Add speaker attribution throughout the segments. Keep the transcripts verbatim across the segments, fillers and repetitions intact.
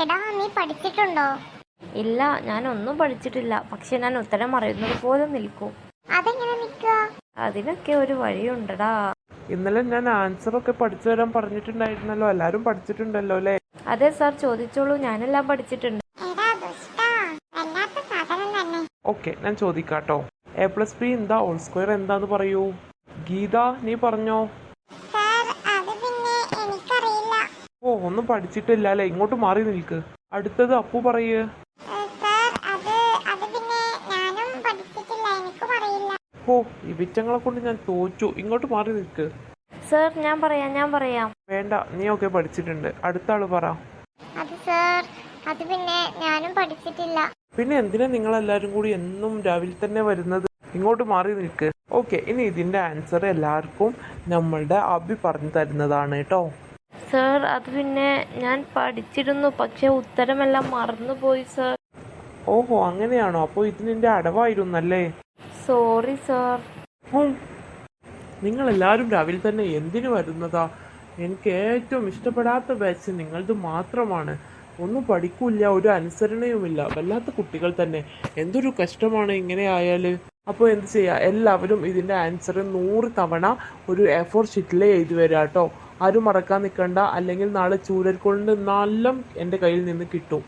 Speaker 1: എടാ നീ പഠിച്ചിട്ടുണ്ടോ?
Speaker 2: ഇല്ല, ഞാൻ ഒന്നും പഠിച്ചിട്ടില്ല. പക്ഷെ ഞാൻ ഉത്തരം അറിയുന്നത് പോലെ നിൽക്കും.
Speaker 1: അതെങ്ങനെ നിൽക്കുക?
Speaker 2: അതിനൊക്കെ ഒരു വഴിയുണ്ടടാ.
Speaker 3: ഇന്നലെ ഞാൻ ആൻസർ ഒക്കെ പഠിച്ചു തരാൻ പറഞ്ഞിട്ടുണ്ടായിരുന്നല്ലോ. എല്ലാരും പഠിച്ചിട്ടുണ്ടല്ലോ അല്ലേ?
Speaker 2: അതെ സാർ, ചോദിച്ചോളൂ. ഞാനെല്ലാം പഠിച്ചിട്ടുണ്ട്.
Speaker 1: എടാ ദുഷ്ടാ, വല്ലാത്ത സാധനം തന്നെ.
Speaker 3: ഓക്കെ, ഞാൻ ചോദിക്കാട്ടോ. എ പ്ലസ് ബി എന്താ ഹോൾ സ്ക്വയർ എന്താന്ന് പറയൂ. ഗീത, നീ പറഞ്ഞോ.
Speaker 1: സാർ അത് പിന്നെ എനിക്കറിയില്ല.
Speaker 3: ഓ, ഒന്നും പഠിച്ചിട്ടില്ല അല്ലേ? ഇങ്ങോട്ട് മാറി നിൽക്ക്. അടുത്തത് അപ്പു പറയ്.
Speaker 1: ഏ, സാർ അത് അത് പിന്നെ ഞാനും പഠിച്ചിട്ടില്ല, എനിക്കും അറിയില്ല.
Speaker 3: ഓ, ഈ വിറ്റങ്ങളെ കൊണ്ട് ഞാൻ തോറ്റു. ഇങ്ങോട്ട് മാറി നിൽക്ക്.
Speaker 2: സാർ ഞാൻ പറയാം ഞാൻ പറയാം
Speaker 3: വേണ്ട, നീ ഒക്കെ പഠിച്ചിട്ടുണ്ട്. അടുത്ത ആള് പറ.
Speaker 1: അത് സാർ അത് പിന്നെ ഞാനും പഠിച്ചിട്ടില്ല.
Speaker 3: പിന്നെ എന്തിനാ നിങ്ങളെല്ലാരും കൂടി എന്നും രാവിലെ തന്നെ വരുന്നത്? ഇങ്ങോട്ട് മാറി നിൽക്ക്. ഓക്കെ, ഇനി ഇതിന്റെ ആൻസർ എല്ലാവർക്കും നമ്മളുടെ അഭി പറഞ്ഞു തരുന്നതാണ് കേട്ടോ.
Speaker 2: സാർ അത് പിന്നെ ഞാൻ പഠിച്ചിരുന്നു, പക്ഷെ ഉത്തരമെല്ലാം മറന്നുപോയി സാർ.
Speaker 3: ഓഹോ, അങ്ങനെയാണോ? അപ്പോൾ ഇതിന്റെ അടവായിരുന്നല്ലേ?
Speaker 2: Sorry sir.
Speaker 3: നിങ്ങൾ എല്ലാവരും രാവിലെ തന്നെ എന്തിനു വരുന്നതാ? എനിക്ക് ഏറ്റവും ഇഷ്ടപ്പെടാത്ത ബാച്ച് നിങ്ങളത് മാത്രമാണ്. ഒന്നും പഠിക്കൂല, ഒരു അനുസരണയുമില്ല. വല്ലാത്ത കുട്ടികൾ തന്നെ. എന്തൊരു കഷ്ടമാണ് ഇങ്ങനെ ആയാൽ. അപ്പോൾ എന്ത് ചെയ്യുക, എല്ലാവരും ഇതിൻ്റെ ആൻസർ നൂറ് തവണ ഒരു എ ഫോർ ഷീറ്റിൽ എഴുതി വരാം കേട്ടോ. ആരും മറക്കാൻ നിൽക്കണ്ട, അല്ലെങ്കിൽ നാളെ ചൂരൽ കൊണ്ട് നല്ല എൻ്റെ കയ്യിൽ നിന്ന് കിട്ടും.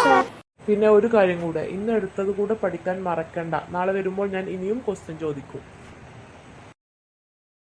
Speaker 3: പിന്നെ ഒരു കാര്യം കൂടെ, ഇന്ന് എടുത്തത് കൂടെ പഠിക്കാൻ മറക്കണ്ട. നാളെ വരുമ്പോൾ ഞാൻ ഇനിയും ക്വസ്റ്റ്യൻ ചോദിക്കും.